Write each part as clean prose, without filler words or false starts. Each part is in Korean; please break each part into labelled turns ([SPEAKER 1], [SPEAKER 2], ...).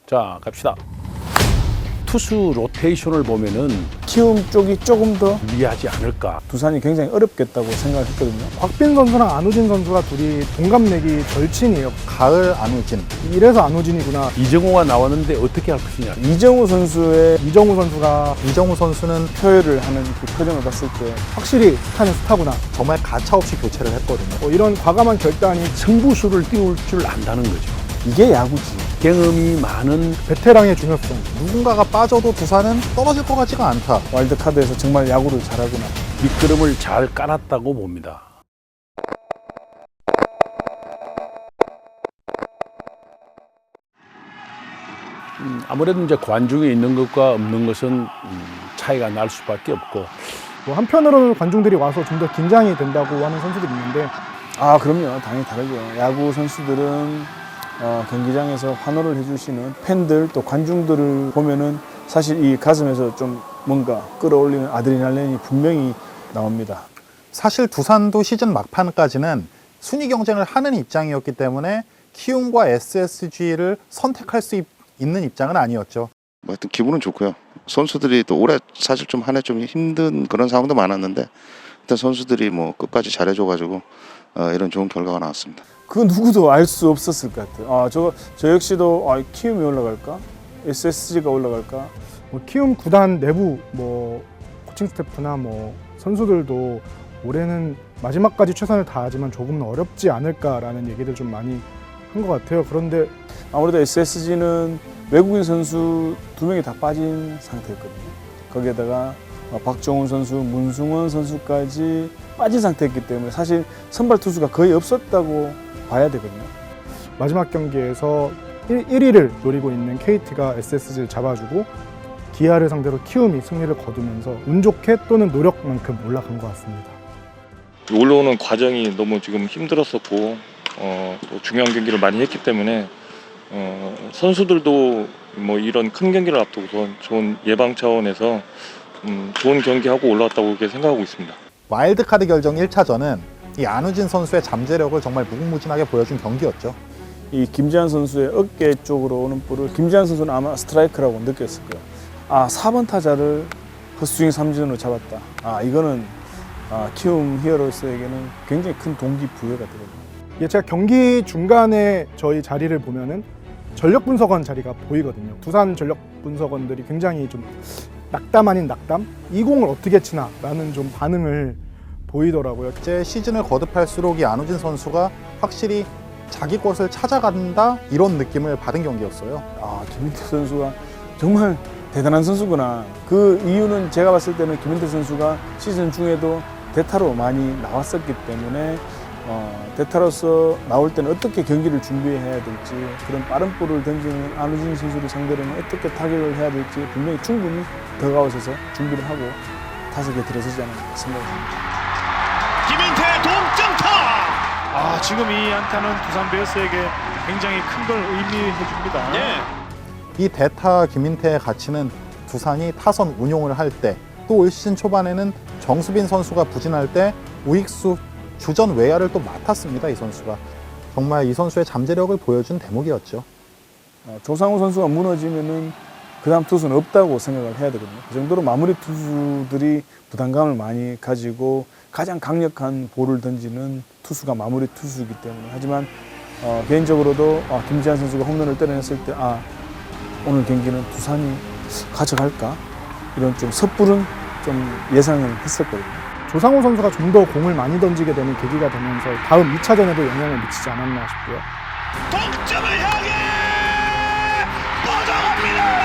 [SPEAKER 1] 자, 갑시다. 투수 로테이션을 보면은
[SPEAKER 2] 키움 쪽이 조금 더
[SPEAKER 1] 유리하지 않을까.
[SPEAKER 2] 두산이 굉장히 어렵겠다고 생각을 했거든요.
[SPEAKER 3] 곽빈 선수랑 안우진 선수가 둘이 동갑내기 절친이에요.
[SPEAKER 4] 가을 안우진.
[SPEAKER 3] 이래서 안우진이구나.
[SPEAKER 1] 이정호가 나왔는데 어떻게 할 것이냐.
[SPEAKER 2] 이정우 선수의
[SPEAKER 3] 이정우 선수가
[SPEAKER 4] 이정우 선수는
[SPEAKER 2] 표현을 하는 그 표정을 봤을 때
[SPEAKER 3] 확실히 스타는 스타구나.
[SPEAKER 4] 정말 가차없이 교체를 했거든요.
[SPEAKER 3] 이런 과감한 결단이
[SPEAKER 1] 승부수를 띄울 줄 안다는 거죠.
[SPEAKER 2] 이게 야구지.
[SPEAKER 1] 경험이 많은
[SPEAKER 3] 베테랑의 중요성.
[SPEAKER 4] 누군가가 빠져도 두산은 떨어질 것 같지가 않다.
[SPEAKER 2] 와일드카드에서 정말 야구를 잘하구나.
[SPEAKER 1] 밑거름을 잘 깔았다고 봅니다. 아무래도 이제 관중이 있는 것과 없는 것은 차이가 날 수밖에 없고,
[SPEAKER 3] 뭐 한편으로는 관중들이 와서 좀 더 긴장이 된다고 하는 선수들이 있는데
[SPEAKER 2] 아, 그럼요. 당연히 다르죠. 야구 선수들은 경기장에서 환호를 해주시는 팬들 또 관중들을 보면은 사실 이 가슴에서 좀 뭔가 끌어올리는 아드레날린이 분명히 나옵니다.
[SPEAKER 4] 사실 두산도 시즌 막판까지는 순위 경쟁을 하는 입장이었기 때문에 키움과 SSG를 선택할 수 있는 입장은 아니었죠.
[SPEAKER 5] 뭐 하여튼 기분은 좋고요. 선수들이 또 올해 사실 좀 한 해 좀 힘든 그런 상황도 많았는데 일단 선수들이 뭐 끝까지 잘해줘가지고 이런 좋은 결과가 나왔습니다.
[SPEAKER 2] 그 누구도 알 수 없었을 것 같아요. 저 역시도 키움이 올라갈까? SSG가 올라갈까?
[SPEAKER 3] 뭐 키움 구단 내부 뭐 코칭 스태프나 뭐 선수들도 올해는 마지막까지 최선을 다하지만 조금은 어렵지 않을까라는 얘기들 좀 많이 한 것 같아요. 그런데
[SPEAKER 2] 아무래도 SSG는 외국인 선수 2명이 다 빠진 상태였거든요. 거기에다가 박종훈 선수, 문승원 선수까지 빠진 상태였기 때문에 사실 선발 투수가 거의 없었다고 봐야 되거든요.
[SPEAKER 3] 마지막 경기에서 1위를 노리고 있는 KT가 SSG를 잡아주고 기아를 상대로 키움이 승리를 거두면서 운 좋게 또는 노력만큼 올라간 것 같습니다.
[SPEAKER 6] 올라오는 과정이 너무 지금 힘들었었고 또 중요한 경기를 많이 했기 때문에 선수들도 뭐 이런 큰 경기를 앞두고서 좋은 예방 차원에서 좋은 경기하고 올라왔다고 그렇게 생각하고 있습니다.
[SPEAKER 4] 와일드카드 결정 1차전은 이 안우진 선수의 잠재력을 정말 무궁무진하게 보여준 경기였죠.
[SPEAKER 2] 이 김지한 선수의 어깨 쪽으로 오는 볼을 김지한 선수는 아마 스트라이크라고 느꼈을 거예요. 4번 타자를 헛스윙 삼진으로 잡았다. 이거는 키움 히어로스에게는 굉장히 큰 동기부여가 되거든요.
[SPEAKER 3] 이게 제가 경기 중간에 저희 자리를 보면은 전력 분석원 자리가 보이거든요. 두산 전력 분석원들이 굉장히 좀 낙담 아닌 낙담? 이 공을 어떻게 치나? 라는 좀 반응을 보이더라고요.
[SPEAKER 4] 이제 시즌을 거듭할수록 이 안우진 선수가 확실히 자기 것을 찾아간다 이런 느낌을 받은 경기였어요.
[SPEAKER 2] 김민태 선수가 정말 대단한 선수구나. 그 이유는 제가 봤을 때는 김민태 선수가 시즌 중에도 대타로 많이 나왔었기 때문에 대타로서 나올 때는 어떻게 경기를 준비해야 될지, 그런 빠른 볼을 던지는 안우진 선수를 상대로는 어떻게 타격을 해야 될지 분명히 충분히 더가웃에서 준비를 하고 5개 들어서지 않을까 생각합니다.
[SPEAKER 7] 김민태 동점타! 지금 이 안타는 두산 베어스에게 굉장히 큰 걸 의미해 줍니다.
[SPEAKER 4] 이 대타 김민태의 가치는 두산이 타선 운용을 할 때, 또 올 시즌 초반에는 정수빈 선수가 부진할 때 우익수 주전 외야를 또 맡았습니다. 이 선수가 정말 이 선수의 잠재력을 보여준 대목이었죠.
[SPEAKER 2] 조상우 선수가 무너지면은 그 다음 투수는 없다고 생각을 해야 되거든요. 그 정도로 마무리 투수들이 부담감을 많이 가지고 가장 강력한 볼을 던지는 투수가 마무리 투수이기 때문에. 하지만 개인적으로도 김지한 선수가 홈런을 때려냈을 때 오늘 경기는 두산이 가져갈까? 이런 좀 섣부른 좀 예상을 했었거든요.
[SPEAKER 3] 조상우 선수가 좀 더 공을 많이 던지게 되는 계기가 되면서 다음 2차전에도 영향을 미치지 않았나 싶고요.
[SPEAKER 7] 동점을 향해 뻗어갑니다.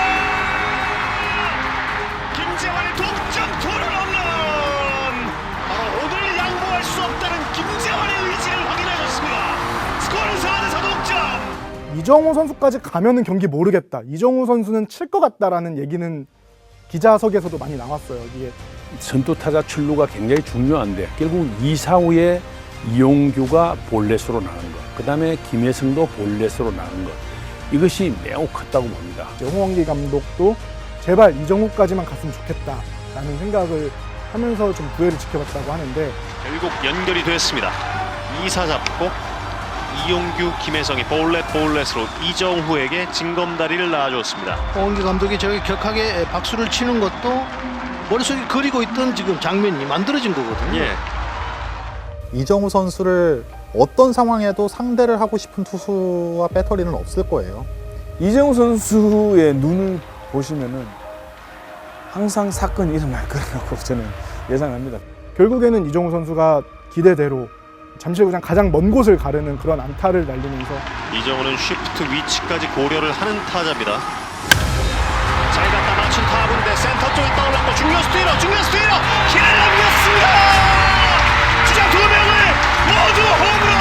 [SPEAKER 7] 김재환의 동점 투런 홈런. 바로 오늘 양보할 수 없다는 김재환의 의지를 확인하셨습니다. 스코어는 4대4 동점.
[SPEAKER 3] 이정우 선수까지 가면은 경기 모르겠다. 이정우 선수는 칠 것 같다라는 얘기는 기자석에서도 많이 나왔어요. 이게
[SPEAKER 1] 선두 타자 출루가 굉장히 중요한데 결국 2, 4후에 이용규가 볼넷으로 나간 것, 그 다음에 김혜성도 볼넷으로 나간 것, 이것이 매우 컸다고 봅니다.
[SPEAKER 3] 홍원기 감독도 제발 이정우까지만 갔으면 좋겠다라는 생각을 하면서 좀 부회를 지켜봤다고 하는데
[SPEAKER 7] 결국 연결이 됐습니다. 2사 잡고 이용규, 김혜성이 볼넷으로 이정후에게 징검다리를 놔줬습니다.
[SPEAKER 8] 홍기 감독이 저기 격하게 박수를 치는 것도 머릿속에 그리고 있던 지금 장면이 만들어진 거거든요.
[SPEAKER 7] 예.
[SPEAKER 4] 이정우 선수를 어떤 상황에도 상대를 하고 싶은 투수와 배터리는 없을 거예요.
[SPEAKER 2] 이정우 선수의 눈을 보시면은 항상 사건이 일어날 거라고 저는 예상합니다.
[SPEAKER 3] 결국에는 이정우 선수가 기대대로 잠실구장 가장 먼 곳을 가르는 그런 안타를 날리면서
[SPEAKER 7] 이정우는 쉬프트 위치까지 고려를 하는 타자입니다. 잘 갖다 맞춘 타구인데 센터 쪽에 떠올랐고 중견수 뒤로 길을 남겼습니다. 주자 두 명을 모두 홈으로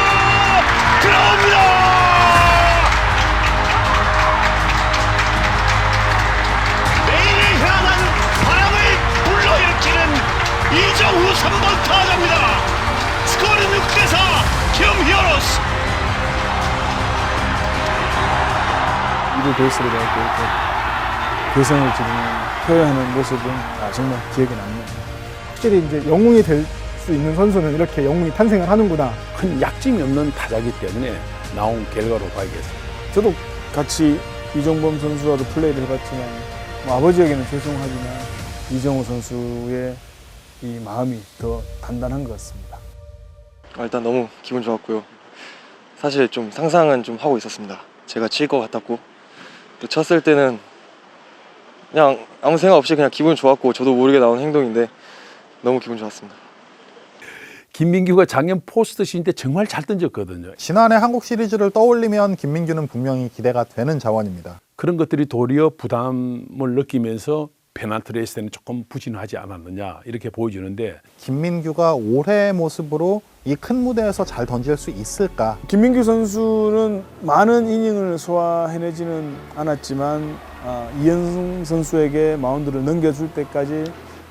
[SPEAKER 7] 들어옵니다. 내일을 향한 바람을 불러일으키는 이정후 3번 타자입니다. 스코어는 6대4 키움 히어로스.
[SPEAKER 2] 이루 베이스를 이렇게 개성을 지금 표현하는 모습은 정말 기억에 남네요.
[SPEAKER 3] 확실히 이제 영웅이 될 수 있는 선수는 이렇게 영웅이 탄생을 하는구나.
[SPEAKER 1] 큰 약점이 없는 타자이기 때문에 나온 결과로 봐야겠습니다.
[SPEAKER 2] 저도 같이 이종범 선수와도 플레이를 해봤지만 아버지에게는 죄송하지만 이정우 선수의 이 마음이 더 단단한 것 같습니다.
[SPEAKER 6] 일단 너무 기분 좋았고요. 사실 좀 상상은 좀 하고 있었습니다. 제가 칠 것 같았고 또 쳤을 때는 그냥 아무 생각 없이 그냥 기분 좋았고 저도 모르게 나온 행동인데 너무 기분 좋았습니다.
[SPEAKER 1] 김민규가 작년 포스트 시즌 때 정말 잘 던졌거든요.
[SPEAKER 4] 지난해 한국 시리즈를 떠올리면 김민규는 분명히 기대가 되는 자원입니다.
[SPEAKER 1] 그런 것들이 도리어 부담을 느끼면서 페넌트 레이스 때는 조금 부진하지 않았느냐 이렇게 보여주는데
[SPEAKER 4] 김민규가 올해의 모습으로 이 큰 무대에서 잘 던질 수 있을까?
[SPEAKER 2] 김민규 선수는 많은 이닝을 소화해내지는 않았지만 이현승 선수에게 마운드를 넘겨줄 때까지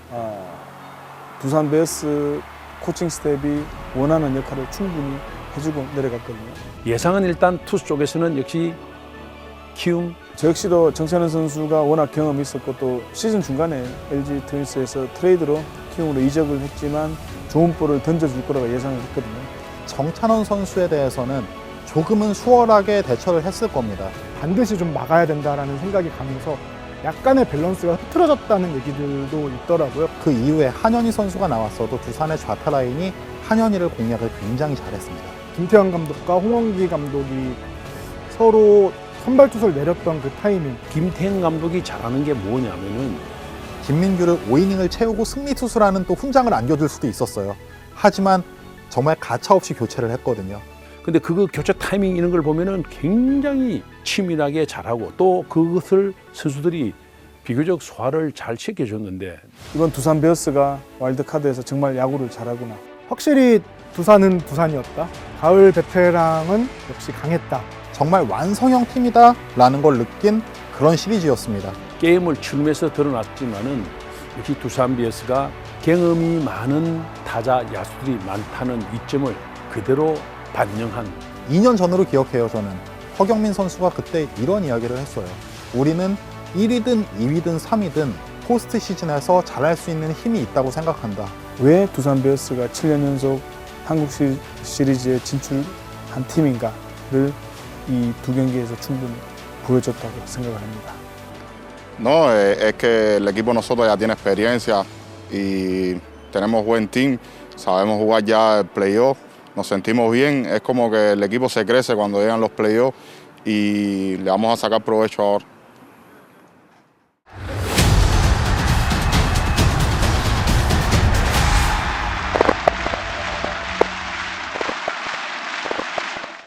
[SPEAKER 2] 두산 베어스 코칭 스텝이 원하는 역할을 충분히 해주고 내려갔거든요.
[SPEAKER 1] 예상은 일단 투수 쪽에서는 역시 키움
[SPEAKER 2] 저 역시도 정찬현 선수가 워낙 경험이 있었고 또 시즌 중간에 LG 트윈스에서 트레이드로 키움으로 이적을 했지만 좋은 볼을 던져줄 거라고 예상을 했거든요.
[SPEAKER 4] 정찬원 선수에 대해서는 조금은 수월하게 대처를 했을 겁니다.
[SPEAKER 3] 반드시 좀 막아야 된다라는 생각이 가면서 약간의 밸런스가 흐트러졌다는 얘기들도 있더라고요.
[SPEAKER 4] 그 이후에 한현희 선수가 나왔어도 두산의 좌타 라인이 한현희를 공략을 굉장히 잘했습니다.
[SPEAKER 3] 김태형 감독과 홍원기 감독이 서로 선발 투수를 내렸던 그 타이밍.
[SPEAKER 1] 김태형 감독이 잘하는 게 뭐냐면은
[SPEAKER 4] 김민규를 5이닝을 채우고 승리 투수라는 또 훈장을 안겨줄 수도 있었어요. 하지만 정말 가차없이 교체를 했거든요.
[SPEAKER 1] 근데 그거 교체 타이밍 이런 걸 보면은 굉장히 치밀하게 잘하고 또 그것을 선수들이 비교적 소화를 잘 시켜줬는데
[SPEAKER 2] 이번 두산 베어스가 와일드카드에서 정말 야구를 잘하구나.
[SPEAKER 3] 확실히 두산은 두산이었다. 가을 베테랑은 역시 강했다.
[SPEAKER 4] 정말 완성형 팀이다 라는 걸 느낀 그런 시리즈였습니다.
[SPEAKER 1] 게임을 치르면서 드러났지만은 역시 두산 베어스가 경험이 많은 타자 야수들이 많다는 이점을 그대로 반영한
[SPEAKER 4] 2년 전으로 기억해요. 저는 허경민 선수가 그때 이런 이야기를 했어요. 우리는 1위든 2위든 3위든 포스트 시즌에서 잘할 수 있는 힘이 있다고 생각한다.
[SPEAKER 2] 왜 두산 베어스가 7년 연속 한국 시리즈에 진출한 팀인가를 이 두 경기에서 충분히 보여줬다고 생각을 합니다.
[SPEAKER 9] No, es que el equipo nosotros ya tiene experiencia y tenemos buen team, sabemos jugar ya el playoff, nos sentimos bien, es como que el equipo se crece cuando llegan los playoffs y le vamos a sacar provecho ahora.